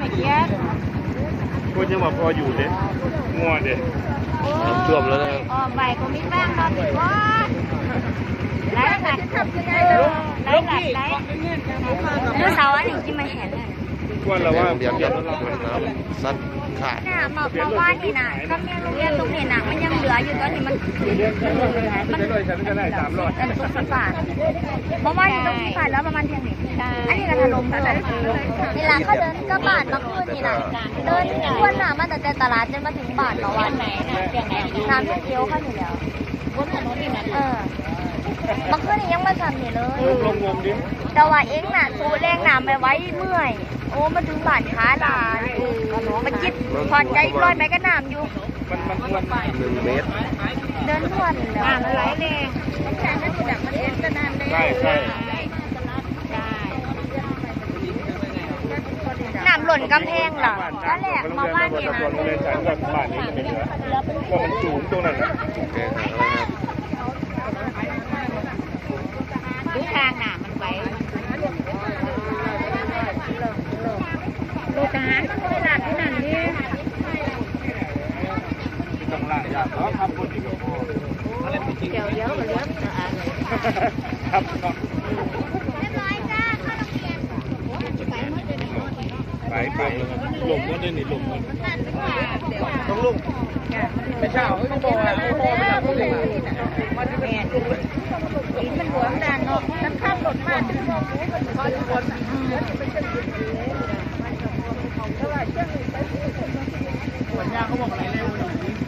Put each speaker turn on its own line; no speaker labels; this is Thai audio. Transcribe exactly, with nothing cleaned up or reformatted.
ไม่เกี้ยคนยังบอกพออยู่เด้งัวเด้
น้ำท่วมแล้วนะครับ
อ๋อใบก็มีแป้งนอนติดก้อนไหนไหนไหนไหนไหนเมื่อเสาร์อันหนึ่งที่มาเห็นเลย
ว่าเราว่า
เบียดเบียดน้ำซัดขาด
น่ะมามาว่านี่นะก็เนี่ยโรงเรียนตรงนี้นะมันยังเหลืออยู่ตอนนี้มันมันมันตกสปาเมื่อวานที่ตรงที่ผ่านแล้วประมาณเที่ยงนี้อันนี้ก็ถล่มแล้วนี่ละเขาเดินก็บ้านมาคืนนี่นะเดินทั่วหน้ามาแต่ตลาดจนมาถึงบ้านเมื่อวานไหนนะเที่ยงไหนน้ำเที่ยงเดียวเข้าอยู่แล้วบนถนนนี่นะเออมาคืนนี่ยังมาทำนี่เลย
ลงงมดิ
แต่ว่าเองน่ะสูแรงน้ำไปไว้เมื่อยโอ้มาถึงบ้านขาลามันจิตพอใจลอยไปก็น้ำอยู่
มันมันมัน
หนึ่งเมตร
เดินทวนแล้วน้ำไหลแรงมันแข็งก็ถูกดักมันเองก็น้ำแรง
ใช่ใช่
น้ำหล่นกำแพงเหรอก็แหลกมาว่าเนี่ยนะ
บ้านนี้เป็นเหลือว่ามันสูงตรงนั้นนะ
ดูทางหนามันไว้ดูทหารมันไม่หลักที่นั่นนี่
ต้องล่างยากเนาะทำคนอีกกับพ่ออะไรไม่จริง
เดี๋ยวเดี๋ยวเดี๋ยว
ครับ
เรียบร้อยจ้าเข้าโรงเรียน
ไปไปหลงก็ได้หนีหลงมันต้องลุงไม่เช่าไม่บอกไม่บอกไม่บอกเลยมันจะเป็น
อินมันหัวมันดันเนาะน้ำข้ามหลดมาก
เขาจะวนหัวยาเขาบอกอะไรเร็วอยู่